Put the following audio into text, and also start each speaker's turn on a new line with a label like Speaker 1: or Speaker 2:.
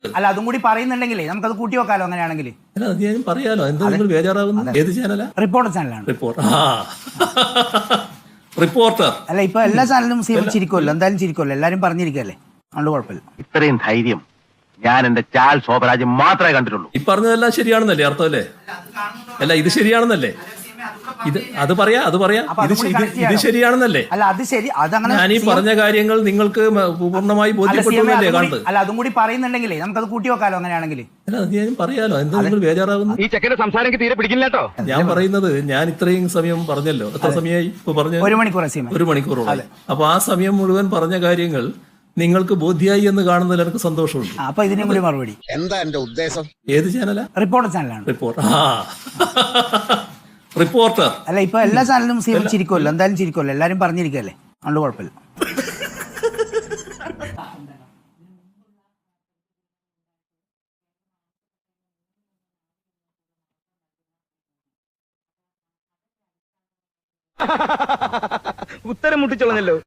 Speaker 1: അല്ല അതും കൂടി പറയുന്നുണ്ടെങ്കിലേ നമുക്കത് കൂട്ടി വെക്കാലോ അങ്ങനെയാണെങ്കിൽ.
Speaker 2: അല്ല അത് ഞാൻ പറയാലോ, എന്താ നിങ്ങൾ ബേജാറാകുന്നു? ഏത് ചാനലാ?
Speaker 1: റിപ്പോർട്ടർ ചാനലാണ്.
Speaker 2: റിപ്പോർട്ടർ
Speaker 1: അല്ല ഇപ്പൊ എല്ലാ ചാനലും ചിരിക്കുമല്ലോ, എന്തായാലും ചിരിക്കുമല്ലോ, എല്ലാരും പറഞ്ഞിരിക്കല്ലേ, അതുകൊണ്ട് കുഴപ്പമില്ല.
Speaker 3: ഇത്രയും ധൈര്യം ഞാൻ എന്റെ ചാൽ ശോഭരാജ് മാത്രമേ കണ്ടിട്ടുള്ളൂ.
Speaker 2: ഈ പറഞ്ഞതെല്ലാം ശരിയാണെന്നല്ലേ അർത്ഥം അല്ലേ? അല്ല ഇത് ശരിയാണെന്നല്ലേ? അത് പറയാ ഇത് ശരിയാണെന്നല്ലേ?
Speaker 1: അല്ല അത് ശരി, അതങ്ങനെ
Speaker 2: ഞാൻ ഈ പറഞ്ഞ കാര്യങ്ങൾ നിങ്ങൾക്ക് പൂർണ്ണമായി ബോധ്യപ്പെട്ടല്ലേ കാണുന്നത്?
Speaker 1: അല്ല അതും കൂടി പറയുന്നുണ്ടെങ്കിലേ നമുക്കത് കൂട്ടി വെക്കാലോ അങ്ങനെയാണെങ്കിൽ.
Speaker 2: അല്ല അത് ഞാൻ പറയാലോ, എന്താ നിങ്ങൾ ബേജാറാകുന്നു?
Speaker 3: ഈ ചെക്കന്റെ സംസാരം തീരെ പിടിക്കില്ല കേട്ടോ.
Speaker 2: ഞാൻ പറയുന്നത്, ഞാൻ ഇത്രയും സമയം പറഞ്ഞല്ലോ, എത്ര സമയമായി ഇപ്പൊ പറഞ്ഞു?
Speaker 1: 1 മണിക്കൂർ.
Speaker 2: 1 മണിക്കൂറോളം. അപ്പൊ ആ സമയം മുഴുവൻ പറഞ്ഞ കാര്യങ്ങൾ നിങ്ങൾക്ക് ബോധ്യായി എന്ന് കാണുന്നതിൽ എനിക്ക് സന്തോഷമുണ്ട്.
Speaker 1: അപ്പൊ ഇതിനും കൂടി മറുപടി.
Speaker 4: എന്താ എന്റെ ഉദ്ദേശം?
Speaker 2: ഏത് ചാനലാ?
Speaker 1: റിപ്പോർട്ടർ ചാനലാണ്.
Speaker 2: റിപ്പോർട്ടർ.
Speaker 1: അല്ല ഇപ്പൊ എല്ലാ ചാനലും ചിരിക്കുമല്ലോ, എന്തായാലും ചിരിക്കുമല്ലോ, എല്ലാരും പറഞ്ഞിരിക്കല്ലേ, അതുകൊണ്ട് കുഴപ്പമില്ല.
Speaker 3: ഉത്തരം മുട്ടിച്ചോളഞ്ഞല്ലോ.